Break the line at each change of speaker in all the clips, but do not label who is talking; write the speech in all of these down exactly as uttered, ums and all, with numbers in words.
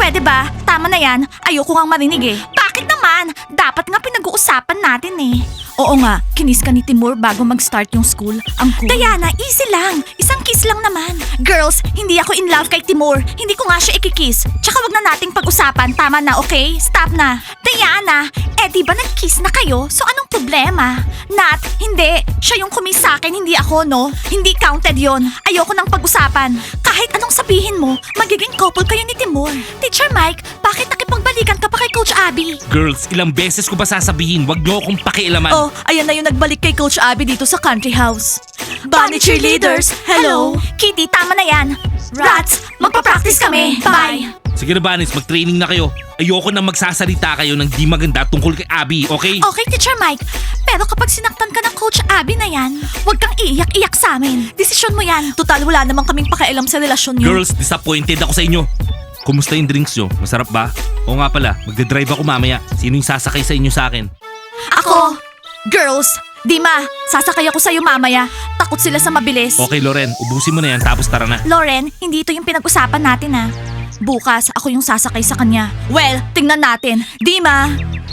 Pwede ba? Tama na yan. Ayoko ngang marinig eh. Bakit naman? Dapat nga pinag-uusapan natin eh. Oo nga, kinis ka ni Timur bago mag-start yung school. Ang cool. Diana, easy lang. Isang kiss lang naman. Girls, hindi ako in love kay Timur. Hindi ko nga siya ikikiss. Tsaka wag na nating pag-usapan. Tama na, okay? Stop na. Diana, eh di ba nag-kiss na kayo? So anong problema? Nat, hindi. Siya yung kumiss sa akin, hindi ako, no? Hindi counted yon. Ayoko nang pag-usapan. Kahit anong sabihin mo, magiging couple kayo ni Timur. Teacher Mike, bakit nakipagbalikan ka pa kay Coach Abby?
Girls, ilang beses ko ba sasabihin, wag niyo akong pakialaman.
Oh, ayan na yung nagbalik kay Coach Abby dito sa country house. Bunny cheerleaders, hello! Kitty, tama na yan. Rats, magpa-practice kami. Bye!
Sige na, Banis, mag-training na kayo. Ayoko na magsasalita kayo ng di maganda tungkol kay Abby, okay?
Okay, Teacher Mike. Pero kapag sinaktan ka ng Coach Abby na yan, huwag kang iiyak-iyak sa amin. Desisyon mo yan. Total, wala namang kaming pakialam sa relasyon niyo.
Girls, disappointed ako sa inyo. Kumusta yung drinks nyo? Masarap ba? Oo nga pala, magdadrive ako mamaya. Sino yung sasakay sa inyo sa akin?
Ako! Girls! Dima, sasakay ako sa'yo mamaya. Takot sila sa mabilis.
Okay, Loren, ubusin mo na yan tapos tara na.
Lauren, hindi ito yung pinag-usapan natin ha. Bukas, ako yung sasakay sa kanya. Well, tingnan natin. Dima!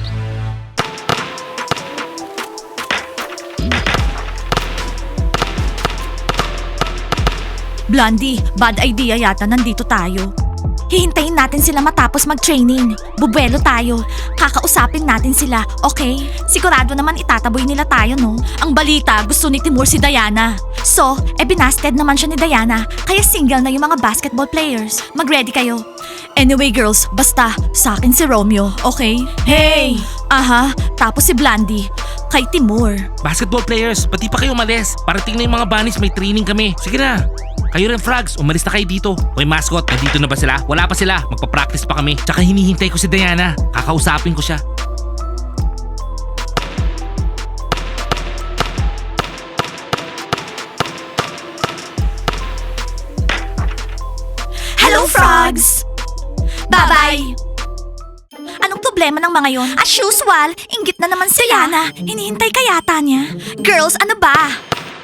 Blondie, bad idea yata nandito tayo. Hihintayin natin sila matapos mag-training. Bubuelo tayo. Kakausapin natin sila, okay? Sigurado naman itataboy nila tayo, no? Ang balita, gusto ni Timur si Diana. So, e binasted naman siya ni Diana, kaya single na yung mga basketball players. Mag-ready kayo. Anyway girls, basta, sa akin si Romeo, okay? Hey! Aha, tapos si Blondie. Kay Timur.
Basketball players, pati pa kayo umalis. Parating na yung mga Bunnies, may training kami. Sige na. Kayo rin, Frogs, umalis na kayo dito. Hoy, mascot, nandito na ba sila? Wala pa sila, magpa-practice pa kami. Tsaka hinihintay ko si Diana. Kakausapin ko siya.
Hello, Frogs! Bye-bye! Anong problema ng mga yon? As usual, inggit na naman si Diana. Hinihintay ka yata niya. Girls, ano ba?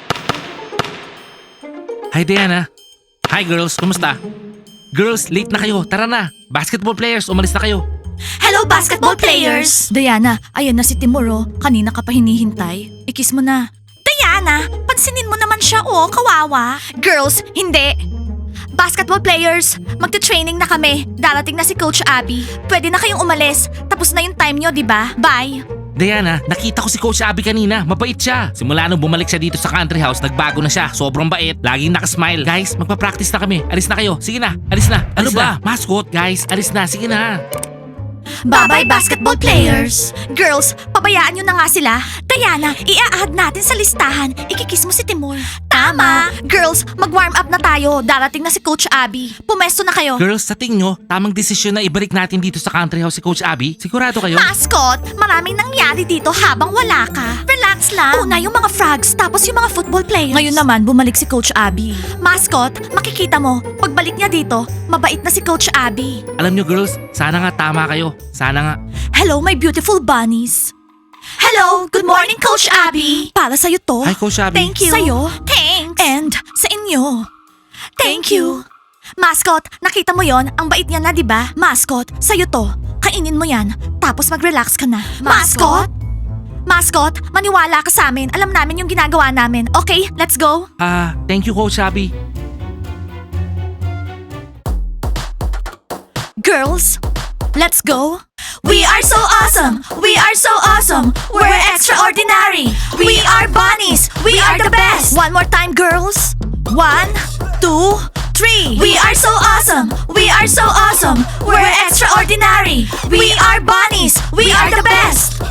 Hi, Diana. Hi, girls, kumusta? Girls, late na kayo. Tara na. Basketball players, umalis na kayo.
Hello, basketball players! Diana, ayan na si Timur, oh. Kanina ka pa hinihintay. Ikis mo na. Diana, pansinin mo naman siya, oh. Kawawa. Girls, hindi. Basketball players, magte-training na kami. Darating na si Coach Abby. Pwede na kayong umalis. Tapos na yung time nyo, di ba? Bye!
Diana, nakita ko si Coach Abby kanina. Mabait siya. Simula nung bumalik siya dito sa country house, nagbago na siya. Sobrang bait. Laging nakasmile. Guys, magpa-practice na kami. Alis na kayo. Sige na. Alis na. Ano
Alis
ba? Mascot, guys. Alis na. Sige na.
Bye-bye, basketball players! Girls, pabayaan nyo na nga sila. Diana, i-add natin sa listahan. Ikikiss mo si Timur. Tama! Girls, mag-warm up na tayo. Darating na si Coach Abby. Pumesto na kayo.
Girls, sa tingin nyo, tamang desisyon na ibalik natin dito sa country house si Coach Abby? Sigurado kayo?
Mascot, maraming nangyari dito habang wala ka. Relax lang. Una yung mga frogs, tapos yung mga football players. Ngayon naman, bumalik si Coach Abby. Mascot, makikita mo, pagbalik niya dito, mabait na si Coach Abby.
Alam nyo, girls, sana nga tama kayo. Sana nga.
Hello, my beautiful bunnies. Hello, good morning, Coach Abby. Para sa'yo to.
Hi, Coach Abby.
Thank you. Sa'yo. Thanks. And sa inyo. Thank you. Mascot, nakita mo yon? Ang bait niya na, di ba? Mascot, sa'yo to. Kainin mo yan, tapos mag-relax ka na. Mascot? Mascot, maniwala ka sa amin. Alam namin yung ginagawa namin. Okay, let's go.
Ah, thank you, Coach Abby.
Girls, let's go. We are so awesome! We are so awesome! We're extraordinary! We are bunnies! We are the best! One more time, girls! One, two, three! We are so awesome! We are so awesome! We're extraordinary! We are bunnies! We are the best!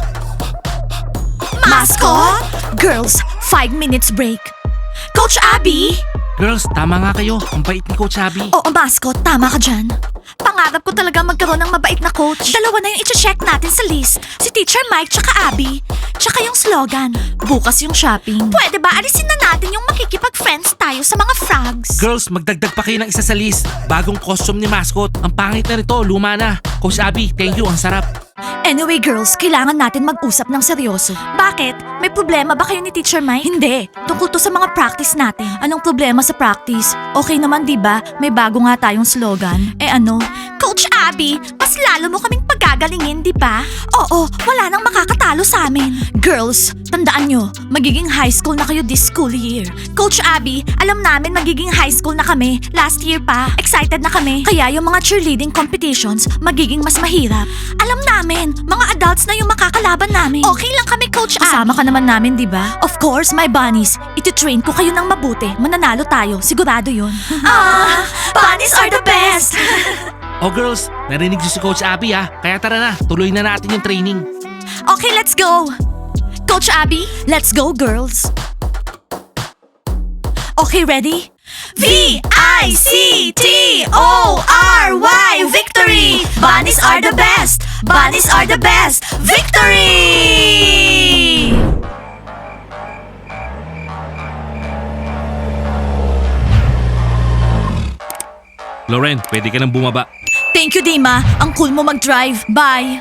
Mascot? Girls, five minutes break. Coach Abby?
Girls, tama nga kayo. Ang bait ni Coach Abby.
Oo, mascot. Tama ka dyan. Pangarap ko talaga magkaroon ng mabait na coach. Dalawa na yung i-check natin sa list. Si Teacher Mike tsaka Abby. Tsaka yung slogan. Bukas yung shopping. Pwede ba alisin na natin yung makikipag-friends tayo sa mga frogs?
Girls, magdagdag pa kayo ng isa sa list. Bagong costume ni Mascot. Ang pangit na nito, luma na. Coach Abby, thank you. Ang sarap.
Anyway girls, kailangan natin mag-usap ng seryoso. Bakit? May problema ba kayo ni Teacher Mike? Hindi. Tungkol to sa mga practice natin. Anong problema sa practice? Okay naman, di ba? May bago nga tayong slogan. Eh ano? Coach Abby, mas lalo mo kaming pagagalingin, di ba? Oo, wala nang makakatalo sa amin. Girls, tandaan nyo, magiging high school na kayo this school year. Coach Abby, alam namin magiging high school na kami. Last year pa. Excited na kami. Kaya yung mga cheerleading competitions, magiging mas mahirap. Alam namin, mga adults na yung makakalaban namin. Okay lang kami, Coach Abby. Kasama ka naman namin, di ba? Of course, my bunnies. Iti-train ko kayo ng mabuti. Mananalo tayo. Sigurado yun. Ah, bunnies are the best!
Oh girls, narinig niyo si Coach Abby ah. Kaya tara na, tuloy na natin yung training.
Okay, let's go! Coach Abby, let's go, girls! Okay, ready? V I C T O R Y Victory! Bunnies are the best! Bunnies are the best! Victory!
Lauren, pwede ka nang bumaba.
Thank you, Dima. Ang cool mo mag-drive. Bye!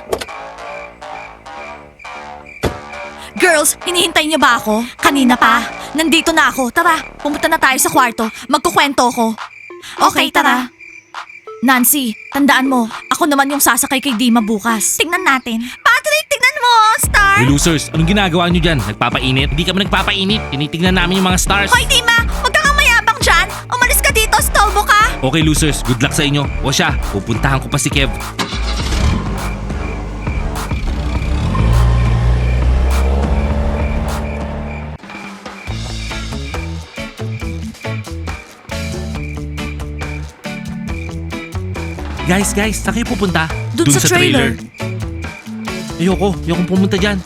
Girls, hinihintay niyo ba ako? Kanina pa. Nandito na ako. Tara, pumunta na tayo sa kwarto. Magkukwento ko. Okay, tara. Nancy, tandaan mo, ako naman yung sasakay kay Dima bukas. Tingnan natin. Patrick, tingnan mo, Star!
Hey losers, anong ginagawa niyo dyan? Nagpapainit? Hindi kami nagpapainit. Tinitignan namin yung mga stars.
Hoy, Dima! Huwag kang mayabang dyan! Umalis ka dito, stolbo ka!
Okay losers, good luck sa inyo. O siya, pupuntahan ko pa si Kev. Guys, guys, saan kayo pupunta?
Dun sa trailer.
Ayoko, ayokong pumunta dyan.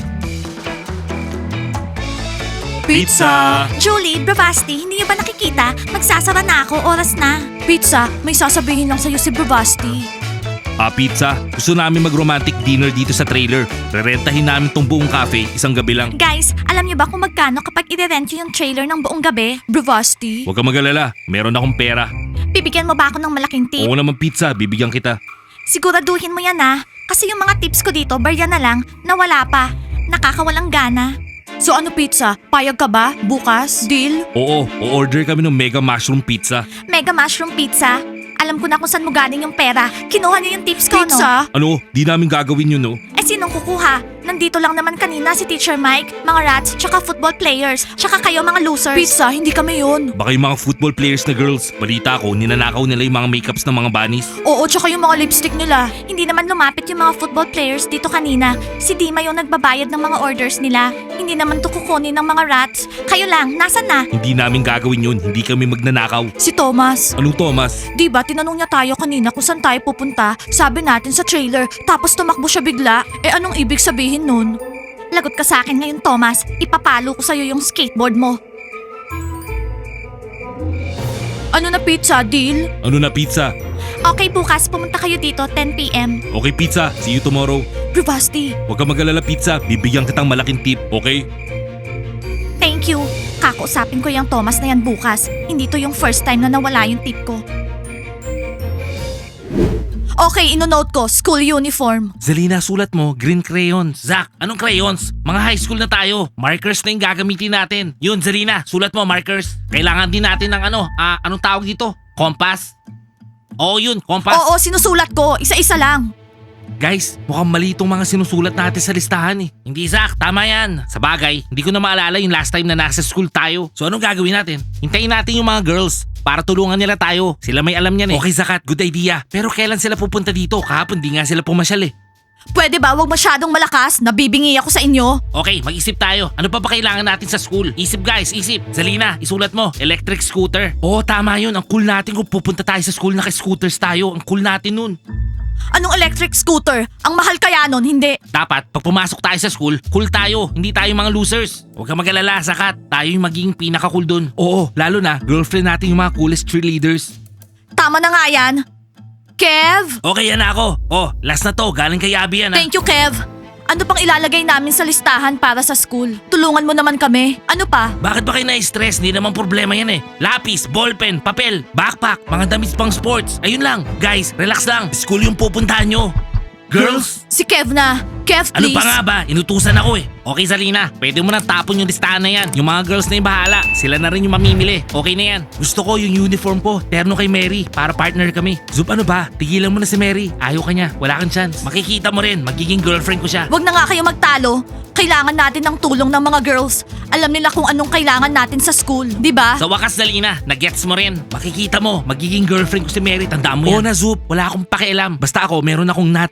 Julie, Bravasti, hindi niyo ba nakikita? Magsasara na ako, oras na. Pizza, may sasabihin lang sa'yo si Bravasti.
Ah, pizza. Gusto namin mag-romantic dinner dito sa trailer. Rerentahin namin tong buong cafe, isang gabi lang.
Guys, alam niyo ba kung magkano kapag i-rent yung trailer ng buong gabi? Bravasti.
Huwag kang mag-alala, meron akong pera.
Bibigyan mo ba ako ng malaking tip?
Oo naman pizza, bibigyan kita.
Siguraduhin mo yan ah. Kasi yung mga tips ko dito, barya na lang, na wala pa. Nakakawalang gana. So ano pizza? Payag ka ba? Bukas? Deal?
Oo, o-order kami ng mega mushroom pizza.
Mega mushroom pizza? Alam ko na kung saan mo galing yung pera. Kinuha niyo yung tips ko, no?
Ano? Di namin gagawin yun, no?
Eh sinong kukuha? Nandito lang naman kanina si Teacher Mike, mga rats, tsaka football players, tsaka kayo mga losers. Pizza, hindi kami yun.
Baka yung mga football players na girls. Balita ko, ninanakaw nila yung mga makeups ng mga bunnies.
Oo, tsaka yung mga lipstick nila. Hindi naman lumapit yung mga football players dito kanina. Si Dima yung nagbabayad ng mga orders nila. Hindi naman to kukunin ng mga rats. Kayo lang, nasan na?
Hindi namin gagawin yun. Hindi kami magnanakaw.
Si Thomas.
Anong Thomas?
Di ba tinanong niya tayo kanina kung saan tayo pupunta? Sabi natin sa trailer, tapos tumakbo siya bigla. Eh anong ibig sabihin nun? Lagot ka sa akin ngayon, Thomas. Ipapalo ko sa'yo yung skateboard mo. Ano na pizza, deal?
Ano na pizza?
Okay, bukas pumunta kayo dito, ten p m
Okay pizza, see you tomorrow.
Bravasti,
Huwag kang mag-alala pizza, bibigyan kitang malaking tip, okay?
thank you. Kakausapin ko yung Thomas na yan bukas. Hindi to yung first time na nawala yung tip ko. Okay, ino-note ko, school uniform.
Zelina, sulat mo, green crayons. Zach, anong crayons? Mga high school na tayo. Markers na yung gagamitin natin. Yun, Zelina, sulat mo, markers. Kailangan din natin ng ano, ah, anong tawag dito? Compass? Oo yun, compass.
Oo, sinusulat ko. Isa-isa lang.
Guys, mukhang mali itong mga sinusulat natin sa listahan eh. Hindi Zach, tama yan. Sa bagay, hindi ko na maalala yung last time na nasa school tayo. So anong gagawin natin? Hintayin natin yung mga girls para tulungan nila tayo. Sila may alam yan eh. Okay Zakat, good idea. Pero kailan sila pupunta dito? Kahapon di nga sila pumasyal eh.
Pwede ba wag masyadong malakas? Nabibingi ako sa inyo.
Okay, mag-isip tayo. Ano pa ba kailangan natin sa school? Isip guys, isip. Zalina, isulat mo. Electric scooter. Oo, tama yun. Ang cool natin kung pupunta tayo sa school naka-scooters tayo. Ang cool natin nun.
Anong electric scooter? Ang mahal kaya nun, hindi.
Dapat, pag pumasok tayo sa school, cool tayo. Hindi tayo mga losers. Huwag kang mag-alala, Zakat. Tayo yung magiging pinaka-cool dun. Oo, lalo na, girlfriend natin yung mga coolest cheerleaders.
Tama na nga yan. Kev?
Okay, yan na ako. Oh, last na to. Galing kay Abby yan ha.
Thank you, Kev. Ano pang ilalagay namin sa listahan para sa school? Tulungan mo naman kami. Ano pa?
Bakit ba kayo na-stress? Hindi naman problema yan eh. Lapis, ballpen, papel, backpack, mga damit pang sports. Ayun lang. Guys, relax lang. School yung pupuntahan nyo. Girls?
Si Kev na. Kev,
Ano
please.
pa nga ba? Inutusan ako eh. Okay, Zalina. Pwede mo nang tapon yung listahan na yan. Yung mga girls na yung bahala. Sila na rin yung mamimili. Okay na yan. Gusto ko yung uniform ko. Terno kay Mary. Para partner kami. Zup, ano ba? Tigilan mo na si Mary. Ayaw ka niya. Wala kang chance. Makikita mo rin. Magiging girlfriend ko siya.
Wag na nga kayo magtalo. Kailangan natin ng tulong ng mga girls. Alam nila kung anong kailangan natin sa school, di ba?
Sa wakas, Zalina, nagets mo rin. Makikita mo, magiging girlfriend ko si Mary. Tandaan mo yan. Oo na, Zup. Wala akong pakialam. Basta ako, meron akong nut.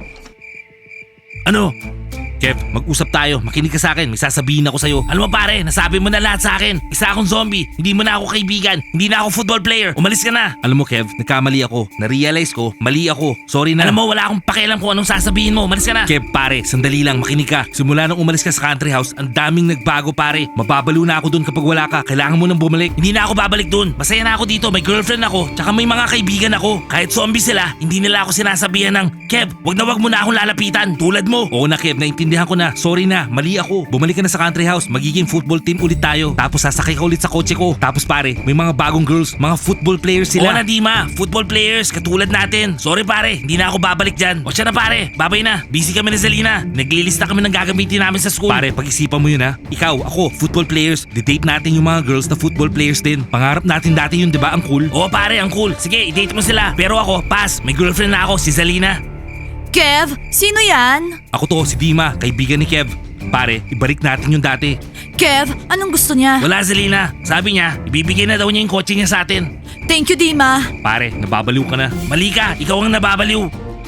Ano? Kev, mag-usap tayo. Makinig ka sa akin. May sasabihin ako sa'yo. Alam mo pare, nasabi mo na lahat sa akin. Isa akong zombie. Hindi mo na ako kaibigan. Hindi na ako football player. Umalis ka na. Alam mo Kev, nagkamali ako. Na-realize ko, mali ako. Sorry na. Alam mo, wala akong pakialam kung anong sasabihin mo. Umalis ka na. Kev, pare, sandali lang. Makinig ka. Simula nung umalis ka sa country house, ang daming nagbago pare. Mababalo na ako dun kapag wala ka. Kailangan mo nang bumalik. Hindi na ako babalik dun. Masaya na ako dito. May girlfriend ako. Tsaka may mga kaibigan ako. Kahit zombie sila, hindi nila ako sinasabihan ng, Kev, wag na wag mo na akong lalapitan. Tulad mo. Oo na Kev, naintindihan ko na. Sorry na, mali ako. Bumalik ka na sa country house, magiging football team ulit tayo. Tapos sasakay ka ulit sa kotse ko. Tapos pare, may mga bagong girls, mga football players sila. Oo na Dima, football players, katulad natin. Sorry pare, hindi na ako babalik dyan. O siya na pare, babay na. Busy kami na Zalina. Naglilista kami ng gagamitin namin sa school. Pare, pag-isipan mo yun ha. Ikaw, ako, football players. Di-date natin yung mga girls na football players din. Pangarap natin dati yun, di ba? Ang cool. Oo pare, ang cool. Sige, i-date mo sila. Pero ako, pass. May girlfriend na ako, si Zalina.
Kev, sino yan?
Ako to, si Dima, kaibigan ni Kev. Pare, ibalik natin yung dati.
Kev, anong gusto niya?
Wala, Zalina. Sabi niya, ibibigay na daw niya yung kotse niya sa atin.
Thank you, Dima.
Pare, nababaliw ka na. Mali ka, ikaw ang nababaliw.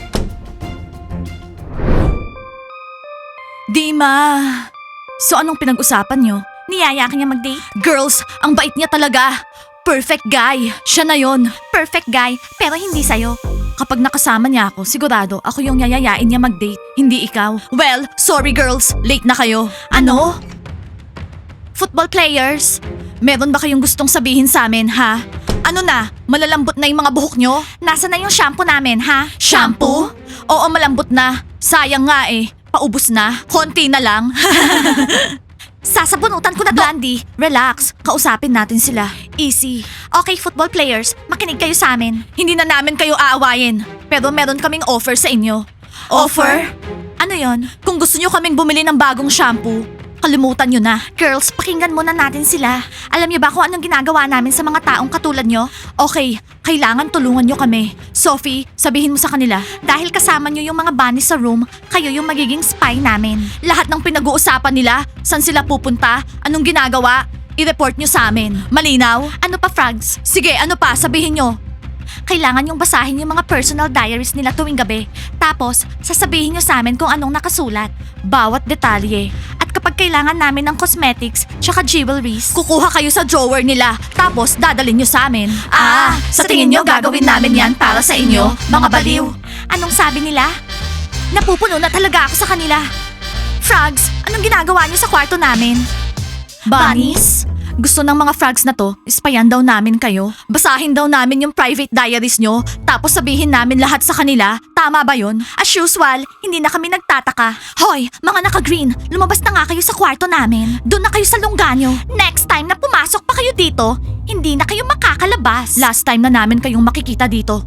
Dima. So anong pinag-usapan nyo? Niyaya ka niya mag-date? Girls, ang bait niya talaga. Perfect guy. Siya na yon. Perfect guy, pero hindi sa'yo. Kapag nakasama niya ako, sigurado ako yung yayayain niya mag-date, hindi ikaw. Well, sorry girls, late na kayo. Ano? Football players? Meron ba kayong gustong sabihin sa amin, ha? Ano na? Malalambot na yung mga buhok nyo? Nasaan na yung shampoo namin, ha? Shampoo? Oo, malambot na. Sayang nga eh. Paubos na. Konti na lang. Sasabunutan ko na to. Blondie, relax. Kausapin natin sila. Easy. Okay, football players, makinig kayo sa amin. Hindi na namin kayo aawayin. Pero meron kaming offer sa inyo. Offer? Ano yon? Kung gusto nyo kaming bumili ng bagong shampoo, kalimutan nyo na. Girls, pakinggan muna natin sila. Alam nyo ba kung anong ginagawa namin sa mga taong katulad nyo? Okay, kailangan tulungan nyo kami. Sophie, sabihin mo sa kanila, dahil kasama nyo yung mga bunnies sa room, kayo yung magiging spy namin. Lahat ng pinag-uusapan nila, saan sila pupunta, anong ginagawa, i-report nyo sa amin. Malinaw? Ano pa, Frogs? Sige, ano pa? Sabihin nyo. Kailangan yung basahin yung mga personal diaries nila tuwing gabi. Tapos, sasabihin nyo sa amin kung anong nakasulat. Bawat detalye. At kapag kailangan namin ng cosmetics tsaka jewelries, kukuha kayo sa drawer nila. Tapos, dadalhin nyo sa amin. Ah, sa tingin nyo gagawin namin yan para sa inyo, mga baliw. Anong sabi nila? Napupuno na talaga ako sa kanila. Frogs, anong ginagawa nyo sa kwarto namin? Bunnies? Gusto ng mga frogs na to, ispayan daw namin kayo. Basahin daw namin yung private diaries nyo, tapos sabihin namin lahat sa kanila. Tama ba yun? As usual, hindi na kami nagtataka. Hoy, mga naka-green, lumabas na nga kayo sa kwarto namin. Doon na kayo sa lungganyo. Next time na pumasok pa kayo dito, hindi na kayo makakalabas. Last time na namin kayong makikita dito.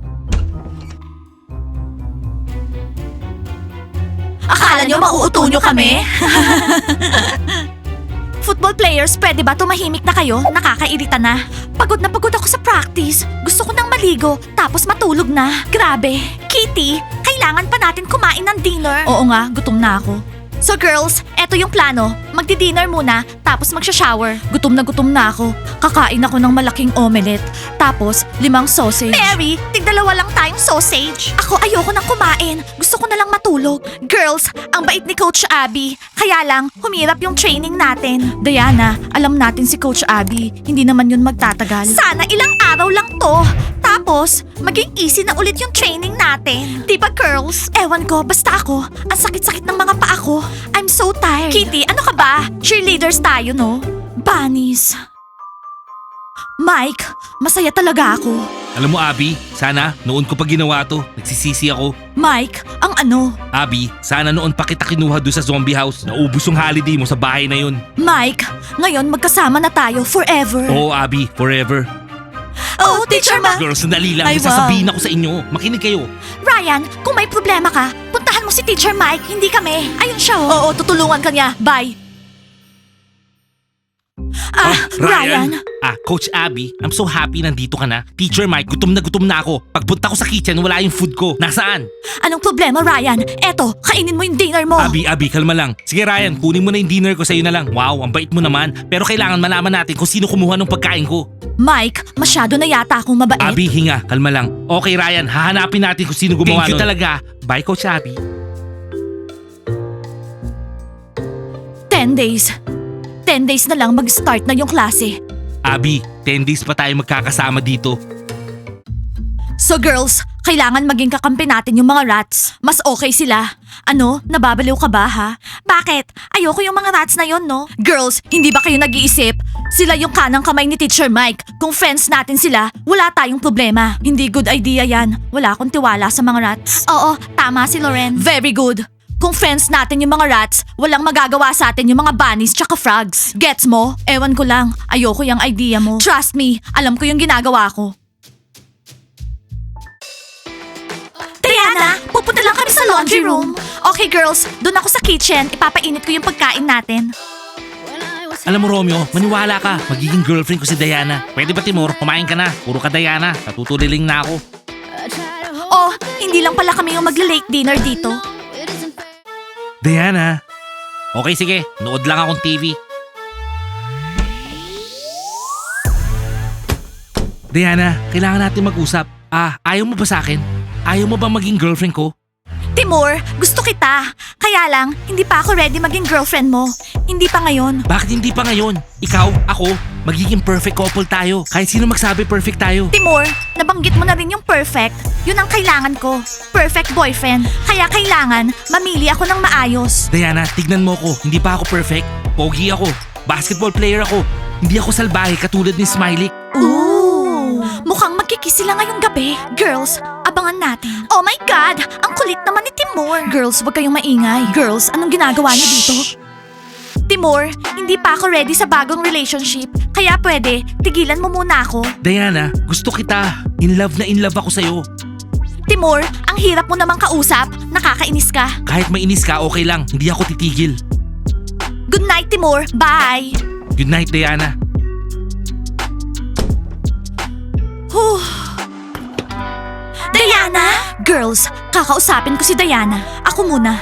Akala nyo mauuto nyo kami? Football players, pwede ba tumahimik na kayo? Nakakairita na. Pagod na pagod ako sa practice. Gusto ko nang maligo, tapos matulog na. Grabe. Kitty, kailangan pa natin kumain ng dinner. Oo nga, gutom na ako. So girls, eto yung plano. Magdi-dinner muna, tapos magsha-shower. Gutom na gutom na ako. Kakain ako ng malaking omelette. Tapos, limang sausage. Mary, tigdalawa lang tayong sausage. Ako ayoko nang kumain. Gusto ko na lang matulog. Girls, ang bait ni Coach Abby. Kaya lang, humirap yung training natin. Diana, alam natin si Coach Abby. Hindi naman yun magtatagal. Sana ilang araw lang to. Tapos, maging easy na ulit yung training natin. Di ba, girls? Ewan ko, basta ako. Ang sakit-sakit ng mga paa ko. I'm so tired. Kitty, ano ka ba? Cheerleaders tayo, no? Bunnies. Mike, masaya talaga ako.
Alam mo Abby, sana noon ko pa ginawa to. Nagsisisi ako.
Mike, ang ano?
Abby, sana noon pa kita kinuha doon sa zombie house. Naubos yung holiday mo sa bahay na yun.
Mike, ngayon magkasama na tayo forever.
Oo Abby, forever.
Oh, Teacher Ma!
Girls, sandali lang.
Ay,
May sasabihin ako sa inyo. Makinig kayo.
Ryan, kung may problema ka, puntahan mo si Teacher Mike, hindi kami. Ayun siya oh. Oo, tutulungan ka niya. Bye. Ah, Ryan.
Ah, Coach Abby, I'm so happy nandito ka na. Teacher Mike, gutom na gutom na ako. Pagpunta ko sa kitchen, wala yung food ko. Nasaan?
Anong problema, Ryan? Eto, kainin mo yung dinner mo.
Abby, Abby, kalma lang. Sige Ryan, kunin mo na yung dinner ko sa'yo na lang. Wow, ang bait mo naman. Pero kailangan malaman natin kung sino kumuha ng pagkain ko.
Mike, masyado na yata akong mabait.
Abby, hinga, kalma lang. Okay Ryan, hahanapin natin kung sino gumawa
Thank you
nun. talaga. Bye Coach Abby.
Ten days. Ten days na lang mag-start na yung klase.
Abby, ten days pa tayo magkakasama dito.
So girls, kailangan maging kakampi natin yung mga rats. Mas okay sila. Ano? Nababaliw ka ba ha? Bakit? Ayoko yung mga rats na yon, no? Girls, hindi ba kayo nag-iisip? Sila yung kanang kamay ni Teacher Mike. Kung friends natin sila, wala tayong problema. Hindi good idea yan. Wala akong tiwala sa mga rats. Oo, tama si Loren. Very good. Kung friends natin yung mga rats, walang magagawa sa atin yung mga bunnies tsaka frogs. Gets mo? Ewan ko lang. Ayoko yung idea mo. Trust me, alam ko yung ginagawa ko. Diana, pupunta lang kami sa laundry room. Okay girls, doon ako sa kitchen. Ipapainit ko yung pagkain natin.
Alam mo Romeo, maniwala ka. Magiging girlfriend ko si Diana. Pwede ba Timur? Kumain ka na. Puro ka Diana. Natutuliling na ako.
Oh, hindi lang pala kami yung magla-late dinner dito.
Diana. Okay sige, nood lang akong T V. Diana, kailangan natin mag-usap. Ah, ayaw mo ba sa akin? Ayaw mo ba maging girlfriend ko?
Timur, gusto kita. Kaya lang, hindi pa ako ready maging girlfriend mo. Hindi pa ngayon.
Bakit hindi pa ngayon? Ikaw, ako, magiging perfect couple tayo. Kahit sino magsabi perfect tayo.
Timur, nabanggit mo na rin yung perfect. Yun ang kailangan ko. Perfect boyfriend. Kaya kailangan, mamili ako ng maayos.
Diana, tignan mo ko. Hindi pa ako perfect. Pogi ako. Basketball player ako. Hindi ako salbahe katulad ni Smiley.
Ooh! Mukhang magkikiss sila ngayong gabi. Girls, abangan natin. Oh my God! Ang kulit naman ni Timur. Girls, wag kayong maingay. Girls, anong ginagawa niyo dito? Timur, hindi pa ako ready sa bagong relationship. Kaya pwede, tigilan mo muna ako.
Diana, gusto kita. In love na in love ako sa'yo.
Timur, ang hirap mo namang kausap. Nakakainis ka.
Kahit mainis ka, okay lang. Hindi ako titigil.
Good night, Timur. Bye!
Good night, Diana.
Huh. Diana! Girls, kakausapin ko si Diana. Ako muna.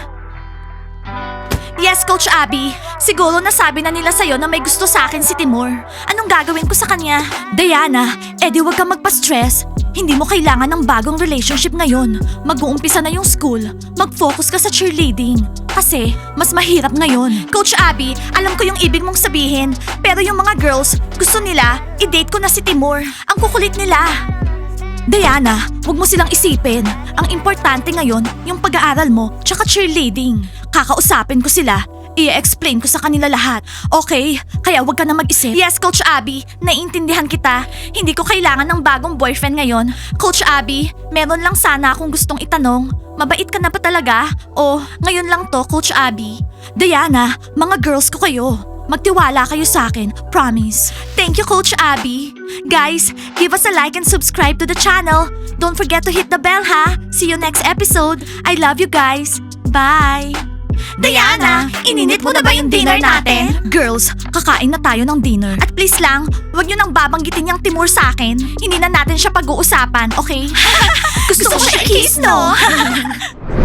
Yes, Coach Abby. Siguro nasabi na nila sa'yo na may gusto sa akin si Timur. Anong gagawin ko sa kanya? Diana, edi wag kang magpa-stress. Hindi mo kailangan ng bagong relationship ngayon. Mag-uumpisa na yung school. Mag-focus ka sa cheerleading. Kasi, mas mahirap ngayon. Coach Abby, alam ko yung ibig mong sabihin. Pero yung mga girls, gusto nila, i-date ko na si Timur. Ang kukulit nila. Diana, wag mo silang isipin. Ang importante ngayon, yung pag-aaral mo, tsaka cheerleading. Kakausapin ko sila. I-explain ko sa kanila lahat. Okay? Kaya wag ka na mag-isip. Yes, Coach Abby. Naiintindihan kita. Hindi ko kailangan ng bagong boyfriend ngayon. Coach Abby, meron lang sana akong gustong itanong. Mabait ka na ba talaga? O, ngayon lang to, Coach Abby? Diana, mga girls ko kayo. Magtiwala kayo sa akin. Promise. Thank you, Coach Abby. Guys, give us a like and subscribe to the channel. Don't forget to hit the bell, ha? See you next episode. I love you guys. Bye! Diana, ininit mo na ba yung dinner natin? Girls, kakain na tayo ng dinner. At please lang, wag nyo nang babanggitin yung Timur sa akin. Hindi na natin siya pag-uusapan, okay? Gusto, ko siya i-kiss, no?